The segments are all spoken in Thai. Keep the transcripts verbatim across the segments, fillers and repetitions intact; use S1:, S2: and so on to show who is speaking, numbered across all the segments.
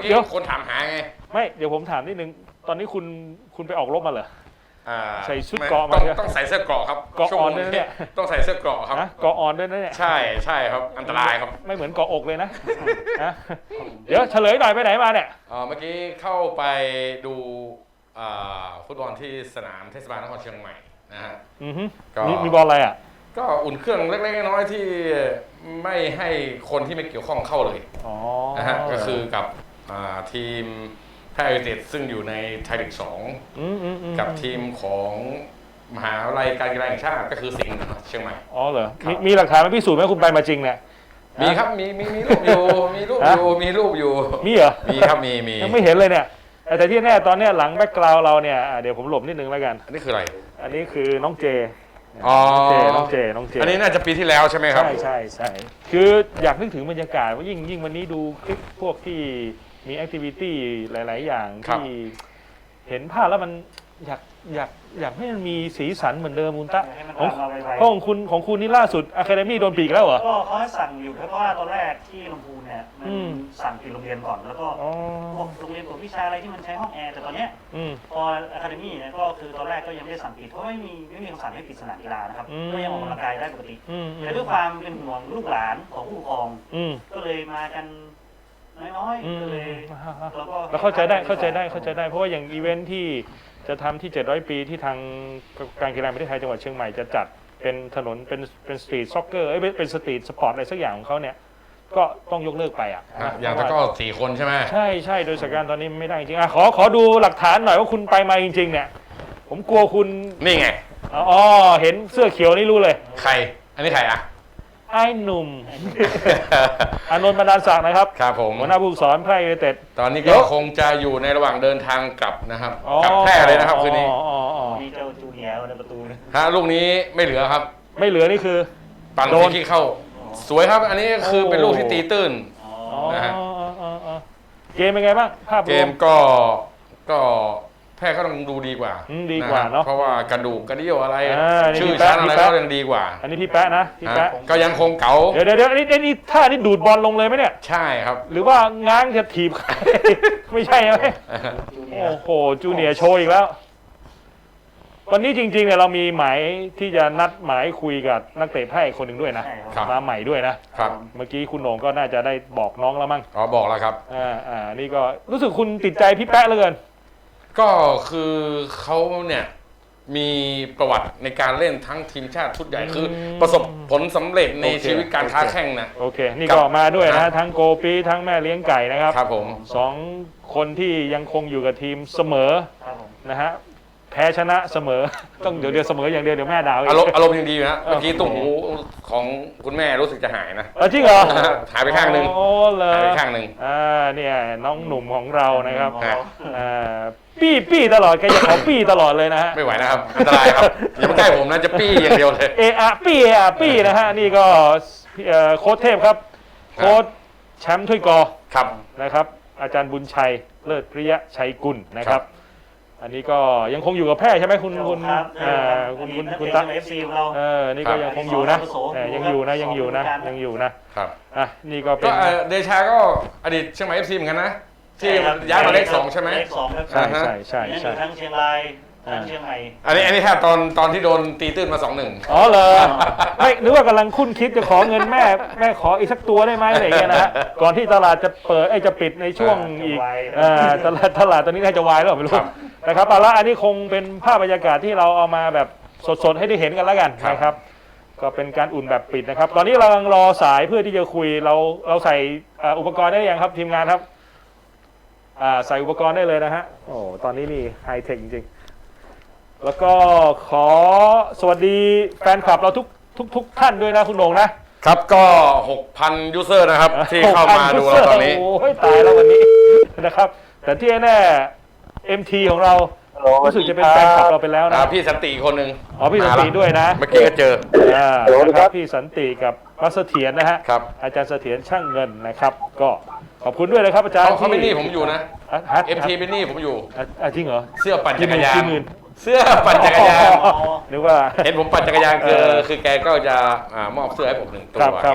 S1: กี้คนถามหาไง
S2: ไม่เดี๋ยวผมถามนิดนึงตอนนี้คุณคุณไปออกรบมาเหรอใส่ชุดเกราะ
S1: มาต้องใส่เสื้อเกราะครับ
S2: เกราะอ่อนด้วยเนี่ย
S1: ต้องใส่เสื้อเกราะครับ
S2: เกราะอ่อนด้วยนะเนี่ย
S1: ใช่ใช่ครับอันตรายครับ
S2: ไม่เหมือนเกราะอกเลยนะเดี๋ยวเฉลยหน่อยไปไหนมาเนี่ย
S1: เมื่อกี้เข้าไปดูฟุตบอลที่สนามเทศบาลนครเชียงใหม่นะฮะ
S2: มีบอลอะไรอ่ะ
S1: ก็อุ่นเครื่องเล็กๆน้อยๆที่ไม่ให้คนที่ไม่เกี่ยวข้องเข้าเลยนะฮะก็คือกับทีมแพร่ยูไนเต็ดซึ่งอยู่ในไทยลีกสองกับทีมของมหาวิทยาลัยการกีฬาแห่งชาติก็คือสิงห์เชียงใหม่
S2: อ๋อเหรอมีหลักฐานมาพิสูจน์ไหมคุณไปมาจริงเนี่ย
S1: มีครับมีมีมีรูปอยู่มีรูปอยู่มีรูปอยู่
S2: มีเหรอ
S1: มีครับมีมี
S2: ยังไม่เห็นเลยเนี่ยแต่ที่แน่ตอนนี้หลังแบ็กกราวด์เราเนี่ยเดี๋ยวผมหลบนิดนึงแล้วกัน
S1: อันนี้คืออะไร
S2: อันนี้คือน้องเจ
S1: อ๋อ
S2: น้องเจน้องเจ
S1: อันนี้น่าจะปีที่แล้วใช่ไหมครับ
S2: ใช่ใช่ใช่คืออยากนึกถึงบรรยากาศว่ายิ่งยิ่งวันนี้ดูคลิปพวกที่มีแอคทิวิตี้หลายๆอย่างที่เห็นภาพแล้วมันอยากอยากอยากให้มันมีสีสันเหมือนเดิมมุนตะของของคุณของคุณนี่ล่าสุดอะคาเดมี่โดนปีกแล้วเหรอ
S3: ก็เขาให้สั่งอยู่เพราะว่าตอนแรกที่ลำพูนเนี่ยมันสั่งปิดโรงเรียนก่อนแล้วก็พวกโรงเรียนกวดวิชาอะไรที่มันใช้ห้องแอร์แต่ตอนเนี้ยพออะคาเดมี่เนี่ยก็คือตอนแรกก็ยังไม่ได้สั่งปิดเพราะไม่มีไม่มีคำสั่งให้ปิดสนามกีฬานะครับก็ยังออกกำลังกายได้ปกติแต่ด้วยความเป็นห่วงลูกหลานของผู้ปกครองก็เลยมากันน้อยๆก็เลย
S2: แล้วก็เข้าใจได้เข้าใจได้เข้าใจได้เพราะว่าอย่างอีเวนท์ที่จะทำที่เจ็ดร้อยปีที่ทางการกีฬาแห่งประเทศไทยจังหวัดเชียงใหม่จะจัดเป็นถนนเป็นเป็นสตรีทซ็อกเกอร์เอ้ยเป็นสตรีทสปอร์ตอะไรสักอย่างของเขาเนี่ยก็ต้องยกเลิกไปอ่ะ
S1: อย่างแต่ก็สี่คนใช่ไหม
S2: ใช่ใช่โดยสถานการณ์ตอนนี้ไม่ได้จริงอ่ะขอขอดูหลักฐานหน่อยว่าคุณไปมาจริงๆเนี่ยผมกลัวคุณ
S1: นี่ไง
S2: อ๋อเห็นเสื้อเขียวนี่รู้เลย
S1: ใครอันนี้ใครอ่ะ
S2: ไอ้หนุ่มอานนท์บรรดาลศักดิ์นะครับ
S1: ครับผม
S2: หัวหน้าผู้ฝึกสอนแพร่ยูไนเต็ด
S1: ตอนนี้ก็คงจะอยู่ในระหว่างเดินทางกลับนะครับกลับแพร่เลยนะครับคืนนี้
S3: มีเจ้าจูเนียร์ในประตู
S1: ฮะลูกนี้ไม่เหลือครับ
S2: ไม่เหลือนี่คือ
S1: ปั่นฟรีคิกเข้าสวยครับอันนี้คือเป็นลูกที่ตีตื้นนะฮะ
S2: เกมเป็นไงบ้างภาพ
S1: เกมก็ก็แพ้ก็ต้องดูดีกว่า
S2: ดีกว่าเนาะ
S1: เพราะว่ากระดูกกระดิ่วอะไรชื่อชั้นอะไรก็ยังดีกว่า
S2: อันนี้พี่แป๊ะนะพี่แป๊ะ
S1: ก็ยังคงเก๋า
S2: เดี๋ยวเดี๋ยวเดี๋ยวนี่นี่ท่านี่ดูดบอลลงเลยไหมเนี่ย
S1: ใช่ครับ
S2: หรือว่าง้างจะถีบไม่ใช่ไหมโอ้โหจูเนียร์โชว์อีกแล้ววันนี้จริงๆเนี่ยเรามีหมายที่จะนัดหมายคุยกับนักเตะแพร่อีกคนหนึ่งด้วยนะมาใหม่ด้วยนะครับเมื่อกี้คุณโหน่งก็น่าจะได้บอกน้องแล้วมั้ง
S1: อ๋อบอกแล้วครับ
S2: อ่าอ่านี่ก็รู้สึกคุณติดใจพี่แป๊ะเหลือเกิน
S1: ก็คือเขาเนี่ยมีประวัติในการเล่นทั้งทีมชาติชุดใหญ่คือประสบผลสำเร็จในชีวิตการค้าแข่งนะ
S2: โอเคนี่ก็มาด้วยนะทั้งโกปีทั้งแม่เลี้ยงไก่นะครับ
S1: ครับผม
S2: สองคนที่ยังคงอยู่กับทีมเสมอนะฮะแพ้ชนะเสมอต้องเดี๋ยวเดียวเสมออย่างเดียวเดี๋ยวแม่ด่า
S1: อารมณ์อารมณ์ยังดีอยู่นะเมื่อกี้ตุ้งหูของคุณแม่รู้สึกจะหายนะ
S2: จริงเหรอ
S1: หายไปข้างหนึ่ง
S2: โอ้เลย
S1: หายไปข้างหนึ่ง
S2: อ่าเนี่ยน้องหนุ่มของเรานะครับอ่าปี้ปี้ตลอดแกจะขอปี้ตลอดเลยนะฮะ
S1: ไม่ไหวนะครับอันตรายครับอย่ามาใกล้ผมนะจะปี้อย่างเดียวเลย
S2: เออะปี้เออะปี้นะฮะนี่ก็โค้ชเทพครับโค้ชแชมป์ถ้วยกอ
S1: ครับ
S2: นะครับอาจารย์บุญชัยเลิศปริยะชัยกุลนะครับอันนี้ก็ยังคงอยู่กับแพร่ใช่ไหมคุณคุณคุณคุณคุณตา
S3: เอฟซีของเรา
S2: เออนี่ก็ยังคงอยู่นะยังอยู่นะยังอยู่นะยังอยู่นะครับอ่ะนี่ก็เป็น
S1: เดชาก็อดีตเชียงใหม่เอฟซีเหมือนกันนะที่ย้ายมาเลขสองใช่ไหม
S3: เลขสอง
S2: ใช่ใช่ใช่ใช่
S3: ทั้งเชียงรายทั้งเชียงใหม่
S1: อันนี้อันนี้แทบตอนตอนที่โดนตีตื้นมาสองหนึ่ง
S2: อ๋อเหรอไม่นึกว่ากำลังคุ้นคิดจะขอเงินแม่แม่ขออีกสักตัวได้ไหมอะไรอย่างเงี้ยนะฮะก่อนที่ตลาดจะเปิดไอ้จะปิดในช่วงอีกอ่าตลาดตลาดตอนนี้น่าจะวายแล้วไม่รู้นะครับเอาละอันนี้คงเป็นภาพบรรยากาศที่เราเอามาแบบสดๆให้ได้เห็นกันแล้วกันนะครับก็เป็นการอุ่นแบบปิดนะครับตอนนี้เรากำลังรอสายเพื่อที่จะคุยเราเราใส่อุปกรณ์ได้ยังครับทีมงานครับใส่อุปกรณ์ได้เลยนะฮะโอ้ตอนนี้นี่ไฮเทคจริงๆแล้วก็ขอสวัสดีแฟนคลับเราทุกทุกทุกท่านด้วยนะคุณโหน่ง
S1: นะครับก็ หกพัน ยูเซอร์นะครับที่เข้ามาดูเราตอนนี้
S2: โอ้ยตายแล้ววันนี้นะครับแต่ที่แน่ เอ็ม ที ของเรารู้สึกจะเป็นแฟนคลับเราไปแล้วนะ
S1: พี่สันติคนหนึ่ง
S2: อ๋อพี่สันติด้วยนะ
S1: เมื่อกี้ก็เจอ
S2: อ่าครับพี่สันติกับมัสเสถียรนะฮะ
S1: ครับ
S2: อาจารย์เสถียรช่างเงินนะครับก็ขอบคุณด้วยนะครับอาจารย์
S1: เขาเป็นหนี้ผมอยู่นะ เอ็ม ที เป็นหนี้ผมอยู่
S2: จริงเหรอ
S1: เสื้อปั่นจักรยานเสื้อปั่นจักรยาน
S2: นึกว่า
S1: เห็นผมปั่นจักรยานคือคือแกก็จะมอบเสื้อให้ผมหนึ่งตัวไง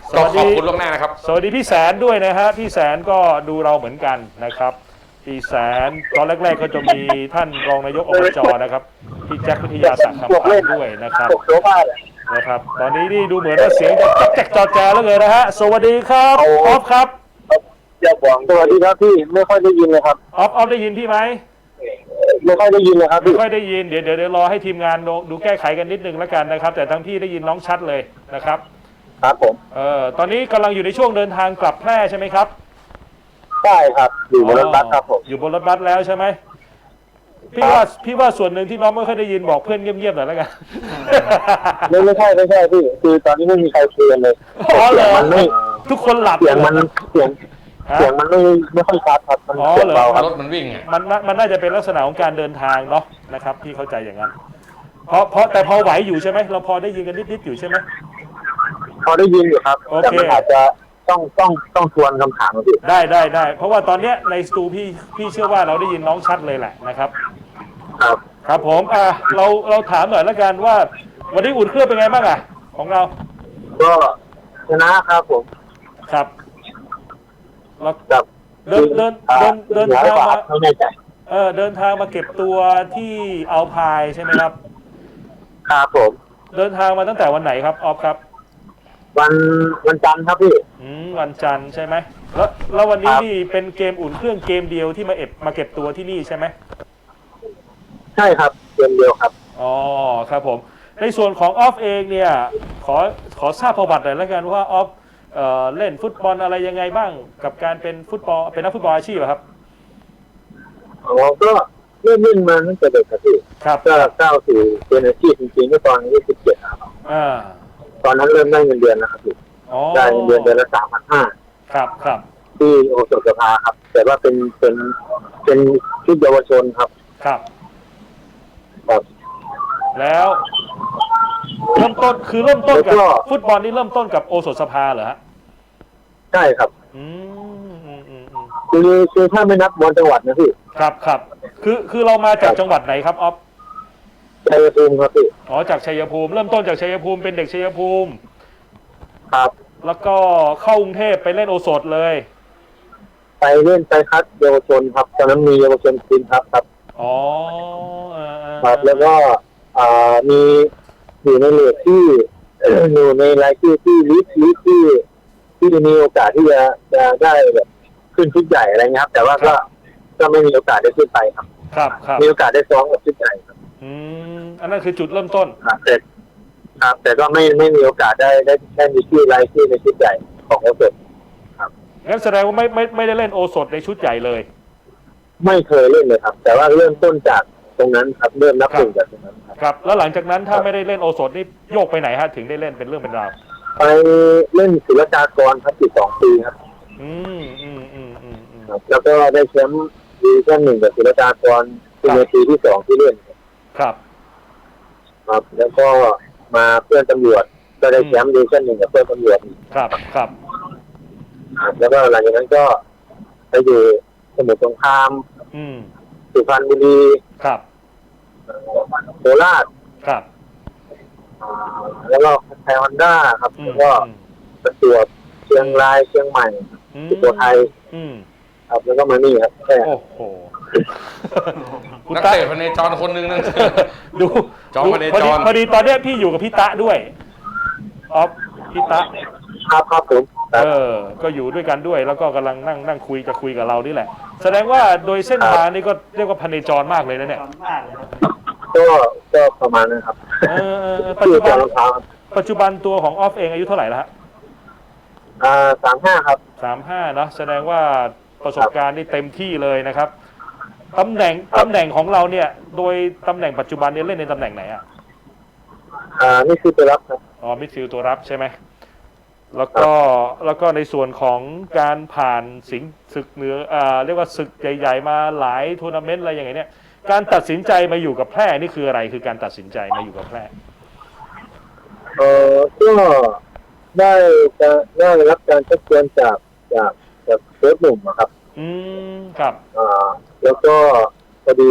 S1: ก็ขอบคุณล่วงหน้านะครับ
S2: สวัสดีพี่แสนด้วยนะฮะพี่แสนก็ดูเราเหมือนกันนะครับพี่แสนตอนแรกๆก็จะมีท่านรองนายกอบจนะครับพี่แจ็ควิทยาศักดิ์คำพันธ์ด้วยนะครับนะครับตอนนี้นี่ดูเหมือนว่าเสียงจะแจกจอแจแล้วเลยนะฮะสวัสดีครับออฟครับ
S4: อย่าบอกสวัสดีครับพี่ไม่ค่อยได้ยินเลยครับ
S2: ออฟออฟได้ยินพี่ไหม
S4: ไม่ค่อยได้ยินเลยครับ
S2: ไม่ค่อยได้ยินเดี๋ยวเดี๋ยวรอให้ทีมงานดูแก้ไขกันนิดนึงแล้วกันนะครับแต่ทั้งพี่ได้ยินน้องชัดเลยนะครับ
S4: ครับผม
S2: เออตอนนี้กำลังอยู่ในช่วงเดินทางกลับแพร่ใช่ไหมครับ
S4: ใช่ครับอยู่บนรถบัสครับผม
S2: อยู่บนรถบัสแล้วใช่ไหมพี่ว่าพี่ว่าส่วนหนึ่งที่น้องไม่ค่อยได้ยินบอกเพื่อนเงียบๆหน่อยแล้วกัน
S4: ไม่ไม่ใช่ไม่ใช่พี่คือตอนนี้ไม่มีใครคุยกันเลย
S2: อ๋อเหรอ
S4: มันไม่
S2: ทุกคนหลับ
S4: เสียงมันเสียงเสียงมันไม่ไม่ค่อยชัดครับมันเสียงเบาครับ
S1: รถมันวิ่ง
S2: มันมันน่าจะเป็นลักษณะของการเดินทางเนาะนะครับพี่เข้าใจอย่างนั้นเพราะเพราะแต่พอไหวอยู่ใช่ไหมเราพอได้ยินกันนิดๆอยู่ใช่ไหม
S4: พอได้ยินอยู่ครับแต่มันอาจจะต้องต้องต้องทวนคำถามมาพี่
S2: ได้ได้ได้เพราะว่าตอนเนี้ยในสตูพี่พี่เชื่อว่าเราได้ยินน้องชัดเลยแหละนะครับ
S4: ครับ
S2: ครับผมอ่ะเราเราถามหน่อยแล้วกันว่าวันนี้อุ่นเครื่องเป็นไงบ้างอ่ะของเรา
S4: ก็ชนะครับผม
S2: ครับ
S4: เราเ
S2: ดินเดินเดินเดินทางมา
S4: ไม่แน่ใจ
S2: เออเดินทางมาเก็บตัวที่อัลพายใช่ไหมครับ
S4: ครับผม
S2: เดินทางมาตั้งแต่วันไหนครับออฟครับ
S4: วันวันจันทร์ครับพี่
S2: อืมวันจันทร์ใช่ไหมแล้วแล้ววันนี้นี่เป็นเกมอุ่นเครื่องเกมเดียวที่มาเอ็บมาเก็บตัวที่นี่ใช่ไหม
S4: ใช่ครับเกมเดียวครับ
S2: อ๋อครับผมในส่วนของออฟเองเนี่ยขอขอทราบประวัติหน่อยแล้วกันว่าออฟเอ่อเล่นฟุตบอลอะไรยังไงบ้างกับการเป็นฟุตบอลเป็นนักฟุตบอลอาชีพครับ
S4: อ๋อก็เริ่มเล่นมาตั้งแต่เด็กครับพี่
S2: ครับ
S4: ก็ก้าวสู่เป็นอาชีพจริงๆก็ตอนอายุสิบเจ็ดครับ
S2: อ่า
S4: ตอนนั้นเริ่มได้เงินเดือนนะครับพี่ได้เงินเดือนเดือนละสามพันห้า
S2: ครับครับ
S4: ที่โอสถสภาครับแต่ว่าเป็นเป็นเป็นชุดเยาวชนครับ
S2: ครับ
S4: ครับ
S2: แล้วเริ่มต้นคือเริ่มต้นกับฟุตบอลนี่เริ่มต้นกับโอสถสภาเหรอฮะ
S4: ใช่ครับ
S2: อืมอืมอืมอืม
S4: คือคือถ้าไม่นับบอลจังหวัดนะพี่
S2: ครับครับคือคือเรามาจากจังหวัดไหนครับออฟ
S4: ชัยภูมิครับพี่
S2: อ๋อจากชัยภูมิเริ่มต้นจากชัยภูมิเป็นเด็กชัยภูมิ
S4: ครับ
S2: แล้วก็เข้ากรุงเทพไปเล่นโอสถเลย
S4: ไปเล่นไปคัดเยาวชนครับตอนนั้นมีเยาวชนทีมครับครับ
S2: อ๋อ
S4: ครับแล้วก็อ่ามีอยู่ในเลกที่อยู่ในรายชื่อที่ลิสต์ลิสต์ที่ที่มีโอกาสที่จะจะได้แบบขึ้นชุดใหญ่อะไรเงี้ยครับแต่ว่าก็ก็ไม่มีโอกาสได้ขึ้นไปครับ
S2: ครับครับ
S4: มีโอกาสได้ซ้อมกับชุดใหญ่ครับ
S2: อืมอันนั้นคือจุดเริ่มต้น
S4: ครับแต่ครับแต่ก็ไม่ไม่มีโอกาสได้ได้ได้มีชื่อรายชื่อในชุดใหญ่ของโอสถครับ
S2: งั้นแสดงว่าไม่ไม่ไม่ได้เล่นโอสถในชุดใหญ่เลย
S4: ไม่เคยเล่นเลยครับแต่ว่าเริ่มต้นจากตรงนั้นครับเริ่มนับหนึ่งจากตรงนั้น
S2: ครับแล้วหลังจากนั้นถ้าไม่ได้เล่นโอสถนี่โยกไปไหนฮะถึงได้เล่นเป็นเรื่องเป็นราว
S4: ไปเล่นศิลปากรครับสิบสองปีครับ
S2: อืมอืมอืมอืมอืม
S4: แล้วก็ได้แชมป์ดิวิชั่นหนึ่งกับศิลปากรเป็นในปีที่สองที่เล่น
S2: ครับ
S4: ครับแล้วก็มาเพื่อนตำรวจก็ได้แชมป์ดิวิชั่นหนึ่งกับเพื่อนตำรวจ
S2: ครับครับ
S4: แล้วก็หลังจากนั้นก็ไปอยู่สมุทรสงครามสุพรรณบุรี
S2: ครับ
S4: โคราช
S2: ครับ
S4: แล้วก็ไทยฮอนด้าครับแล้วก็ประจวบเชียงรายเชียงใหม่สุโขทัยครับแล้วก็มานี่ครับแค่
S2: โอ้โห
S1: นักเตะพเนจรคนหนึ่งนั่น
S2: ดู
S1: จอมพเนจร
S2: พอดีตอนนี้พี่อยู่กับพี่ตะด้วยออฟพี่ตะ
S4: ครับครับผม
S2: เออก็อยู่ด้วยกันด้วยแล้วก็กำลังนั่งนั่งคุยจะคุยกับเรานี่แหละแสดงว่าโดยเส้นทางนี่ก็เรียกว่าพเนจรมากเลยนะเนี่ย
S4: ก็ก็ประมาณนั้นครับ
S2: ปัจจุบันปัจจุบันตัวของออฟเองอายุเท่าไหร่แล้วฮะ
S4: อ่าสามห้าครับ
S2: สามห้าเนาะแสดงว่าประสบการณ์นี่เต็มที่เลยนะครับตำแหน่งตำแหน่งของเราเนี่ยโดยตำแหน่งปัจจุบันนี้เล่นในตำแหน่งไหนอ่ะ
S4: อ่านี่คือตัวรับครับ
S2: อ๋อมิดฟิลด์ตัวรับใช่ไหมแล้วก็แล้วก็ในส่วนของการผ่านสิงศึกเหนืออ่าเรียกว่าศึกใหญ่ๆมาหลายทัวร์นาเมนต์อะไรอย่างเงี้ยการตัดสินใจมาอยู่กับแพร่นี่คืออะไรคือการตัดสินใจมาอยู่กับแพร่
S4: เออก็ได้จะได้รับการชักชวนจากจากจากเฟิร์สหนุ่มครับ
S2: อืมครับ
S4: อ่าแล้วก็พอดี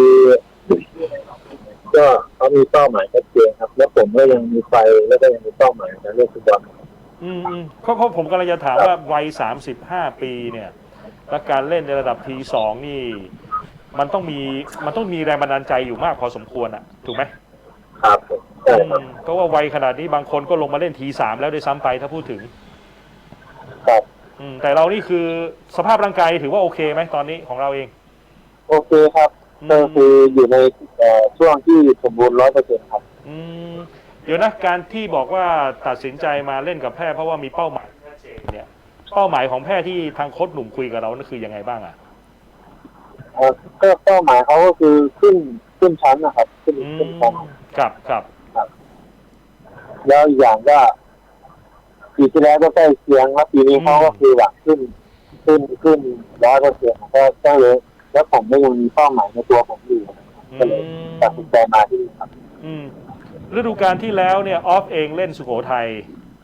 S4: ก็เขามีเป้าหมายชัดเจนครับแล้วผมก็ยังมีไฟแล้วก็ยังมีเป้าหมายในเรื่องฟุตบอล
S2: ออืมอืมเพราะเพราะผมกำลังจะถามว่าวัยสามสิบห้าปีเนี่ยและการเล่นในระดับทีสองนี่มันต้องมีมันต้องมีแรงบันดาลใจอยู่มากพอสมควรอ่ะถูกไหม
S4: ครับใช่ครับ
S2: เพราะว่าวัยขนาดนี้บางคนก็ลงมาเล่นทีสามแล้วด้วยซ้ำไปถ้าพูดถึง
S4: ครับ
S2: อืมแต่เรานี่คือสภาพร่างกายถือว่าโอเคไหมตอนนี้ของเราเอง
S4: โอเคครับก็คืออยู่ในช่วงที่สมบูรณ์ร้อยเปอร์เซ็นต์ครับ
S2: อืมเดี๋ยวนะการที่บอกว่าตัดสินใจมาเล่นกับแพทย์เพราะว่ามีเป้าหมายชัดเจนเนี่ยเป้าหมายของแพทย์ที่ทางโค้ชหนุ่มคุยกับเรานั่นคือยังไงบ้างอ่ะ
S4: เออก็เป้าหมายเขาก็คือขึ้นขึ้นชั้นนะครับขึ้นขึ้นชั้น
S2: ครับครับ
S4: แล้วอีกอย่างก็ปีที่แล้วก็ใกล้เคียงแล้วปีนี้เขาก็คือหวังขึ้นขึ้นขึ้นร้อยเปอร์เซ็นต์ก็ก็เลยแล้วผมไม่ยังมีเป้าหมายในตัวผมอยู่ก็เลยตัดสินใจมาที่นี่ครับ
S2: ฤดูกาลที่แล้วเนี่ยออฟเองเล่นสุโขทัย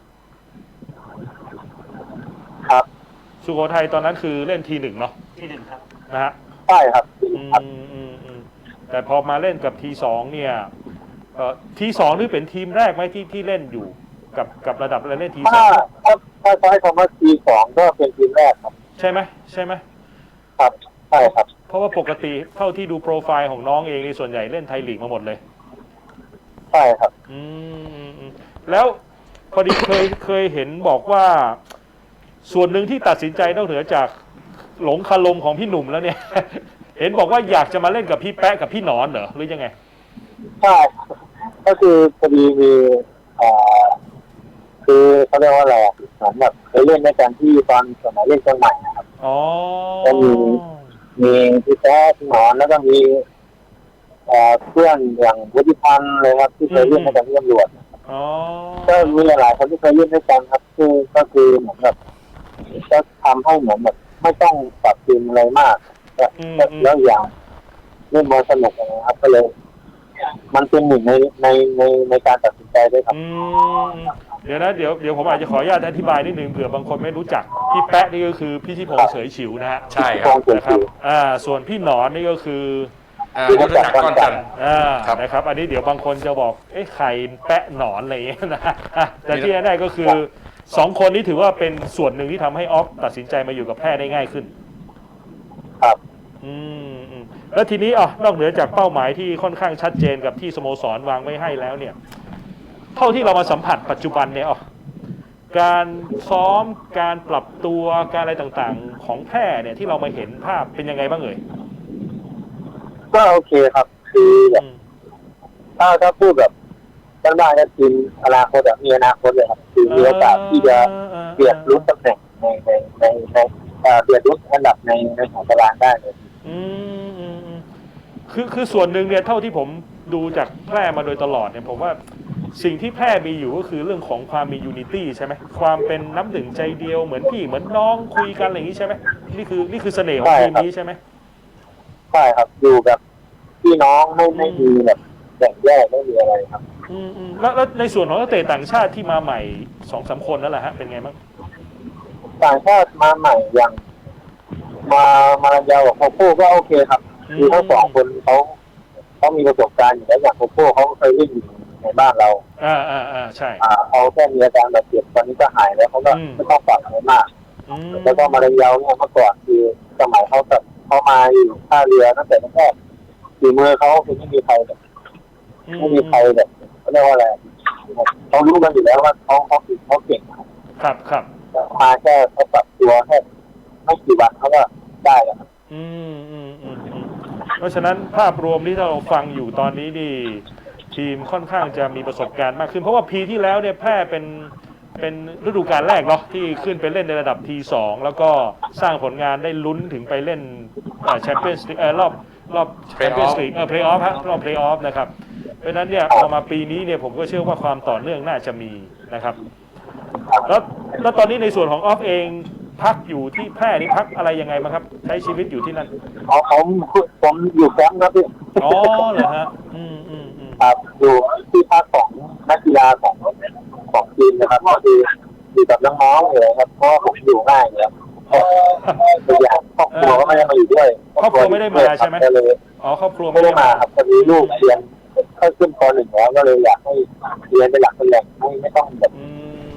S4: ครับ
S2: สุโขทัยตอนนั้นคือเล่นทีหนึ่งเนาะ
S3: ทีหนึ่งครับ
S2: นะฮะ
S4: ใช่ครับ
S2: แต่พอมาเล่นกับทีสองเนี่ยทีสองนี่เป็นทีมแรกไหมที่ที่เล่นอยู่กับกับระดับเล่นทีสอง
S4: ถ้าถ้าใช้คำว่าทีสองก็เป็นทีมแรกครับ
S2: ใช่ไหมใช่ไหม
S4: ครับใช่ครับ
S2: เพราะว่าปกติเท่าที่ดูโปรไฟล์ของน้องเองในส่วนใหญ่เล่นไทยลีกมาหมดเลย
S4: ใช่ครับ
S2: อืมแล้วพอดีเคยเคยเห็นบอกว่าส่วนหนึ่งที่ตัดสินใจนอกเหนือจากหลงคารมของพี่หนุ่มแล้วเนี่ยเห็นบอกว่าอยากจะมาเล่นกับพี่แป๊ะกับพี่หนอนเหรอหรือยังไง
S4: ใช่ก็คือพอดีมีอ่าคือเขาเรียกว่าอะไรเหมือนแบบเคยเล่นในการที่ตอนสมัยเล่นเชียงใหม่นะครับ
S2: อ๋อ
S4: ก็มีมีพี่แป๊ะพี่หนอนแล้วก็มีเพื่อนอย่างวุฒิพันธ์เลยครับที่เคยเล่นในการที่ตำรวจก็มีหลายคนที่เคยเล่นด้วยกันครับคือก็คือเหมือนแบบก็ทำให้เหมือนแบบไม่ต้องปรับทีมอะไรมากแล้วอย่างเล่นบอลสนุกนะครับก็เลยมันเป็นหนึ่งในในในในการตัดสินใจด้วยครับ
S2: เดี๋ยวนะเดี๋ยวเดี๋ยวผมอาจจะขออนุญาตอธิบายนิดนึงเผื่อบางคนไม่รู้จักพี่แป๊ะนี่ก็คือพี่ทิพงษ์เสยฉิวนะฮะ
S1: ใช่ครับ
S2: นะครับอ่าส่วนพี่หนอนนี่ก็คือ
S1: ยุทธจักรก้อนจันทร์
S2: นะครับอันนี้เดี๋ยวบางคนจะบอกเอ๊ะใครแปะหนอนอะไรอย่างเงี้ยนะแต่ที่แน่ๆก็คือสองคนนี้ถือว่าเป็นส่วนหนึ่งที่ทำให้ออฟตัดสินใจมาอยู่กับแพทย์ได้ง่ายขึ้น
S4: ครับ
S2: อืมแล้วทีนี้อ๋อนอกเหนือจากเป้าหมายที่ค่อนข้างชัดเจนกับที่สโมสรวางไว้ให้แล้วเนี่ยเท่าที่เรามาสัมผัสปัจจุบันเนี่ยอ๋อการซ้อมการปรับตัวการอะไรต่างๆของแพทย์เนี่ยที่เรามาเห็นภาพเป็นยังไงบ้างเอ่ย
S4: ก็โอเคครับคือแบบถ้าถ้าพูดแบบบ้านๆก็ทีมอนาคตแบบมีอนาคตเลยครับคือมีโอกาสที่จะเปลี่ยนรุ่นตำแหน่งในในในในเปลี่ยนรุ่นอันดับในในของตารางได้เลย
S2: อืมคือคือส่วนหนึ่งเนี่ยเท่าที่ผมดูจากแพร่มาโดยตลอดเนี่ยผมว่าสิ่งที่แพร่มีอยู่ก็คือเรื่องของความมียูนิตี้ใช่ไหมความเป็นน้ำหนึ่งใจเดียวเหมือนพี่เหมือนน้องคุยกันอะไรอย่างนี้ใช่ไหมนี่คือนี่คือเสน่ห์ของทีมนี้ใช่ไหม
S4: ใช่ครับอยู่กับพี่น้องไม่ไม่มีแบบแบ่งแยกไม่มีอะไรครับ
S2: อืมอืมแล้วแล้วในส่วนของนักเตะต่างชาติที่มาใหม่สองสามคนนั่นแหละฮะเป็นไงบ้าง
S4: ต่างชาติมาใหม่อย่างมามาลันยากับโคโค่ก็โอเคครับคือทั้งสองคนเขาเขามีประสบการณ์อยู่แล้วอย่างโคโค่เขาเคยเล่นอยู่ในบ้านเรา
S2: อ่าอ่าอ่าใช่
S4: อ่าเขาแค่มีอาการบาดเจ็บตอนนี้ก็หายแล้วเขาก็ไม่ต้องปรับอะไรมากแล้วก็มาลันยาเนี่ยเมื่อก่อนคือสมัยเขาแบบเขามาอยู่ท่าเรือตั้งแต่แรกฝีมือเขาคือไม่มีใครแบบไม่มีใครแบบเขาเรียกว่าอะไรเขารู้กันอยู่แล้วว่าเขาเขาคือเขาเก่ง
S2: ครับครับ
S4: มาแค่เขาปรับตัวแค่ไม่กี่วันเขาก็ได้แล้ว
S2: อืมอืมอืมเพราะฉะนั้นภาพรวมที่เราฟังอยู่ตอนนี้นี่ทีมค่อนข้างจะมีประสบการณ์มากขึ้นเพราะว่าปีที่แล้วเนี่ยแพร่เป็นเป็นฤดูกาลแรกเนาะที่ขึ้นไปเล่นในระดับทีสองแล้วก็สร้างผลงานได้ลุ้นถึงไปเล่นแชมเปี้ยนส์ลีกรอบรอบแชมเปี้ยนส์ลีกเออเพลย์ออฟฮะรอบเพลย์ออฟนะครับเพราะฉะนั้นเนี่ยพอมาปีนี้เนี่ยผมก็เชื่อว่าความต่อเนื่องน่าจะมีนะครับแล้วแล้วตอนนี้ในส่วนของออฟเองพักอยู่ที่แพร่นี่พักอะไรยังไงมาครับใช้ชีวิตอยู่ที่นั่น
S4: อ๋อผมผมอยู่แคมป์ครับพี่
S2: อ๋อเหรอฮะอืมอืมอืม
S4: ครับอยู่ที่พักของนักกีฬาของของทีมนะครับก็คืออยู่กับน้องๆเลยครับเพราะผมอยู่ง่ายเลยตัวอย่างครอบครัวก็ไม่ได้มาอยู่ด้วย
S2: ครอบครัวไม่ได้มาใช่ไหมอ๋อครอบครัว
S4: ไม่ได้มาครับพอดีลูกเรียนเข้าขึ้นป.หนึ่งแล้วก็เลยอยากให้เรียนเป็นหลักเป็นแหล่งไม่ไม่ต้องแบบ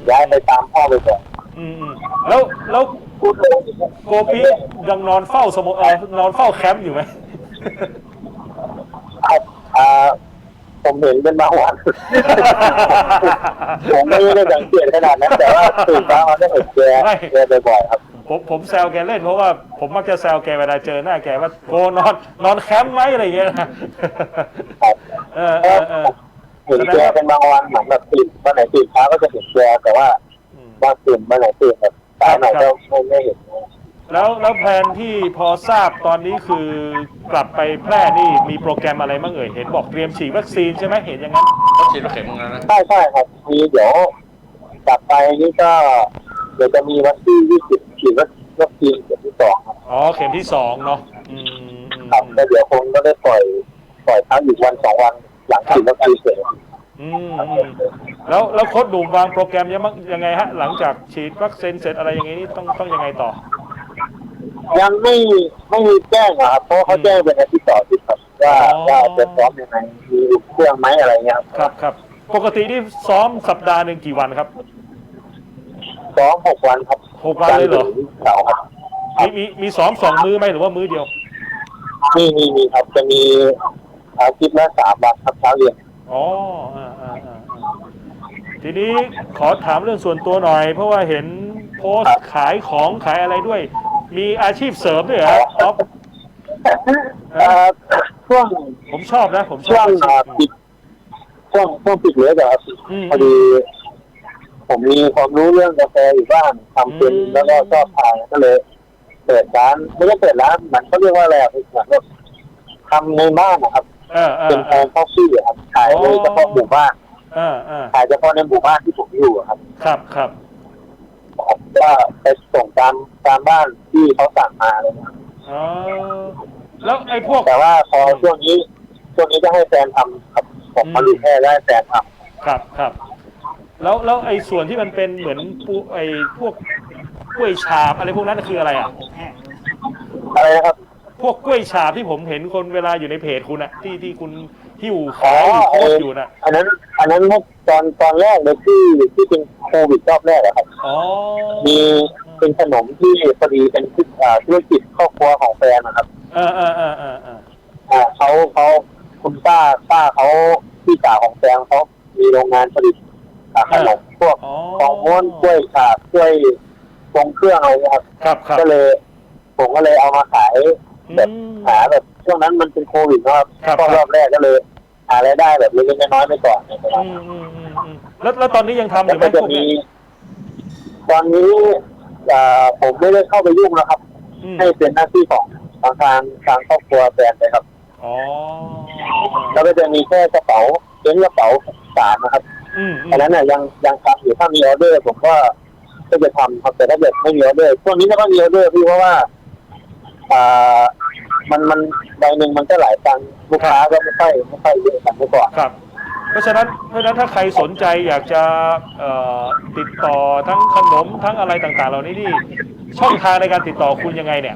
S4: ย้ายไปตามพ่อไปก่อน
S2: อืมๆแล้วแล้วโกปิยังนอนเฝ้าสโมเอ่อนอนเฝ้าแคมป์อยู่ไหม
S4: ครับอ่าผมเห็นเป็นบางวัน ผมไม่ได้สังเกตขนาดนั้นแต่ว่าตื่นเช้ามาได้เห็นแกแกบ่อยๆครับ
S2: ผมผมแซวแกเล่นเพราะว่าผมมักจะแซวแกเวลาเจอหน้าแกว่าโกนอนนอนแคมป์ไหมอะไรอย่างเงี้ยนะเออเออเออ
S4: เห็นแกเป็นบางวันเหมือนแบบตื่นวันไหนตื่นเช้าก็จะเห็นแกแต่ว่าว่าตื่นวันไหนตื่นแบบสายไหนก็ไม่ไม่เห็น
S2: แล้วแล้วแผนที่พอทราบตอนนี้คือกลับไปแพร่นี่มีโปรแกรมอะไรบ้างเอ่ยเห็นบอกเตรียมฉีดวัคซีนใช่ไหมเห็นอย่างนั้น
S1: ก็ฉีดเข็มนึงแล้วนะ
S4: ใช่ใช่ครับมีเดี๋ยวกลับไปนี่ก็เดี๋ยวจะมีวันที่ยี่สิบฉีดวัคซีนเข็มที่สองครับ
S2: อ๋อเข็มที่สองเนาะอืม
S4: ครับแล้วเดี๋ยวคงก็ได้ปล่อยปล่อยพักอีกวันสองวันหลังฉีดวัคซีนเสร็จ
S2: อืมแล้วแล้วโค้ชดูวางโปรแกรมยังยังไงฮะหลังจากฉีดวัคซีนเสร็จอะไรอย่างงี้นี่ต้องต้องยังไงต่อ
S4: ยังไม่ไม่มีแจ้งครับเพราะเขาแจ้งเป็นอาทิตย์ต่ออาทิตย์ครับว่าว่าจะซ้อมยังไงมีเครื่องไหมอะไรเงี้ย
S2: ครับครับปกติที่ซ้อมสัปดาห์หนึ่งกี่วันครับ
S4: ซ้อมหกวันครับ
S2: หกวันเลยเหรอ
S4: เสาร์ครับ
S2: มีมีมีซ้อมสองมื้อไหมหรือว่ามื้อเดียว
S4: มีมีมีครับจะมีอาทิตย์ละสามวันครับเช้าเย็น
S2: อ๋ออ่าอ่าอ่าทีนี้ขอถามเรื่องส่วนตัวหน่อยเพราะว่าเห็นโพสต์ขายของขายอะไรด้วยมีอาชีพเสริมด้วยเหรออ๊อฟ
S4: ช่วง
S2: ผมชอบนะผมช
S4: อบช่วงปิดช่วงช่วงปิดเลยแบบพอดีผมมีความรู้เรื่องกาแฟอยู่บ้างทำเป็นแล้วก็ชอบทานก็เลยเปิดร้านไม่ใช่เปิดร้านมันเขาเรียกว่าอะไรเหมือนแบบทำในบ้านนะครับเป็นแอนด์คอฟฟี่ครับขายเลยเฉพาะหมู่บ้านขายเฉพาะในหมู่บ้านที่ผมอยู่ครับ
S2: ครับครับ
S4: ก็ไปส่งตามตามบ้านที่เขาสั่งมาเลยนะ
S2: อ๋อแล้วไอ้พวก
S4: แต่ว่าพอช่วงนี้ช่วงนี้จะให้แฟนทำครับผมมาดูแค่ได้แฟนท
S2: ำครับครับแล้วแล้วไอ้ส่วนที่มันเป็นเหมือนปูไอ้พวกกล้วยฉาบอะไรพวกนั้นคืออะไรอ่ะ
S4: อะไรนะครับ
S2: พวกกล้วยฉาบที่ผมเห็นคนเวลาอยู่ในเพจคุณอะที่ที่คุณหิ้วขายโพสอยู่นะ
S4: อันนั้นอันนั้นตอนตอนแรกเลยที่ที่เป็นโควิดรอบแรกอะครับมีเป็นขนมที่พอดีเป็นธุรกิจครอบครัวของแฟนนะครับ
S2: เออเออเออเออเอ
S4: อเขาเขาคุณป้าป้าเขาพี่สาวของแฟนเขามีโรงงานผลิตขนมพวกของม้วนกล้วยฉาบกล้วยทรงเครื่องอะไรครับก็เลยผมก็เลยเอามาขายแบบหาแบบช่วงนั้นมันเป็นโควิดนะครับก็รอบแรกก็เลยหารายได้แบบเล็กๆน้อยๆไปก่อนนะครับ
S2: แล้วแล้วตอนนี้ยังทำอยู่ไหมพวกนี้
S4: ตอนนี้ผมไม่ได้เข้าไปยุ่งนะครับให้เป็นหน้าที่ของทางทางทางครอบครัวแฟนเลยครับ
S2: อ๋อ
S4: แล้วก็จะมีแค่กระเป๋าเป็นกระเป๋าสารนะครับอันนั้นน่ะยังยังทำอยู่ถ้ามีออเดอร์ผมก็ก็จะทำครับแต่ถ้าเกิดไม่มีออเดอร์ช่วงนี้ก็ต้องมีออเดอร์พี่เพราะว่าอ่ามันมันใบหนึ่งมันก็หลายตังค์ลูกค้าก็ไม่ค่อยไม่ค่อยเยอะกันเมื่อก่อน
S2: ครับเพราะฉะนั้นเพราะฉะนั้นถ้าใครสนใจอยากจะติดต่อทั้งขนมทั้งอะไรต่างๆเหล่านี้นี่ช่องทางในการติดต่อคุณยังไงเนี่ย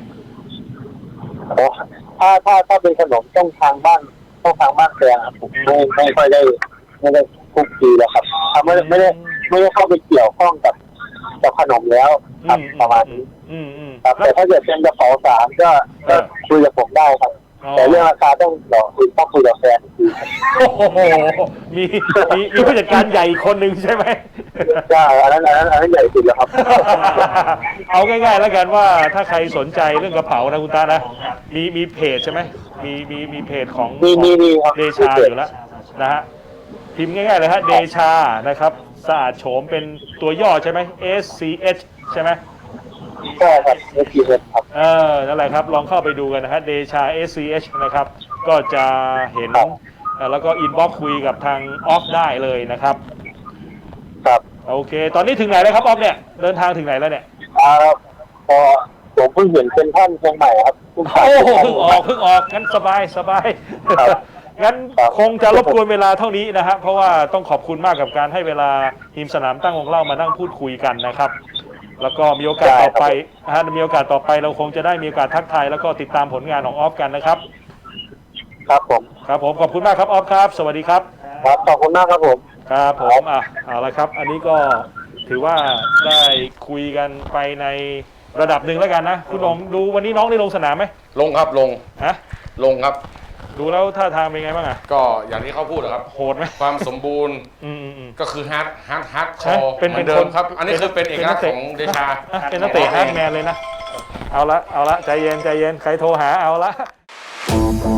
S4: ถ้าถ้าถ้าเป็นขนมต้องทางบ้านต้องทางบ้านแฟนผมไม่ไม่ค่อยได้ไม่ได้คุกคีแล้วครับทำไม่ไม่ได้ไม่ได้เข้าไปเกี่ยวข้องกับกับขนมแล้วครับประมาณนี้ครับแต่ถ้าเกิดเป็นกระเป๋าสารก็คุยกับผมได้ครับแต่เรื่องราคาต้องรอต้องคุยกับแฟนคือ
S2: โอ้โหมีมีมีผู้จัดการใหญ่คนหนึ่งใช่ไหม
S4: ใช่อันนั้นอันนั้นอันนั้นใหญ่สุดแล้วครับ
S2: เอาง่ายๆแล้วกันว่าถ้าใครสนใจเรื่องกระเป๋านะคุณตานะมีมีเพจใช่ไหมมีมีมีเพจของ
S4: มีมีมี
S2: เดชาอยู่แล้วนะฮะพิมพ์ง่ายๆเลยฮะเดชานะครับสะอาดโฉมเป็นตัวย่อใช่ไหม เอส ซี เอช ใช่ไหม
S4: ใช่ครับ เอส ซี เอช ครับ
S2: เออนั่นแหละครับลองเข้าไปดูกันนะฮะเดชา เอส ซี เอช นะครับก็จะเห็นแล้วก็อินบ็อกซ์คุยกับทางออฟได้เลยนะครับ
S4: ครับ
S2: โอเคตอนนี้ถึงไหนแล้วครับออฟเนี่ยเดินทางถึงไหนแล้วเนี่ย
S4: อ่าพอผมเพิ่งเห็นเป็นท่านเชียงใหม่ครับ
S2: โอ้โหเพิ่งออกเพิ่งออกงั้นสบายสบายงั้นคงจะรบกวนเวลาเท่านี้นะฮะเพราะว่าต้องขอบคุณมากกับการให้เวลาทีมสนามตั้งวงเล่ามานั่งพูดคุยกันนะครับแล้วก็มีโอกาสต่อไปนะฮะมีโอกาสต่อไปเราคงจะได้มีโอกาสทักทายแล้วก็ติดตามผลงานของออฟกันนะครับ
S4: ครับผม
S2: ครับผมขอบคุณมากครับออฟครับสวัสดีครับ
S4: ครับขอบคุณมากครับผม
S2: ครับผมอ่ะเอาละครับอันนี้ก็ถือว่าได้คุยกันไปในระดับหนึ่งแล้วกันนะคุณองดูวันนี้น้องได้ลงสนามไหม
S1: ลงครับลง
S2: ฮะ
S1: ลงครับ
S2: ดูแล้วท่าทางเป็นไงบ้างอ่ะ
S1: ก็อย่างที่เขาพูดนะครับ
S2: โหดไหม
S1: ความสมบูรณ์
S2: อืมอืมอืม
S1: ก็คือฮาร์ดฮาร์ดฮาร์ดค
S2: ฮะ
S1: อ
S2: เป็น
S1: เหมือน
S2: เป็น
S1: เดิ
S2: ค
S1: ม
S2: น
S1: ครับ อันนี้คือเป็นเอกลักษณ์
S2: เป็นนักเตะ
S1: ของเดชา
S2: อ่ะเป็นนักเตะฮาร์ดแมนเลยนะ เอาละเอาละใจเย็นใจเย็นใครโทรหาเอาละ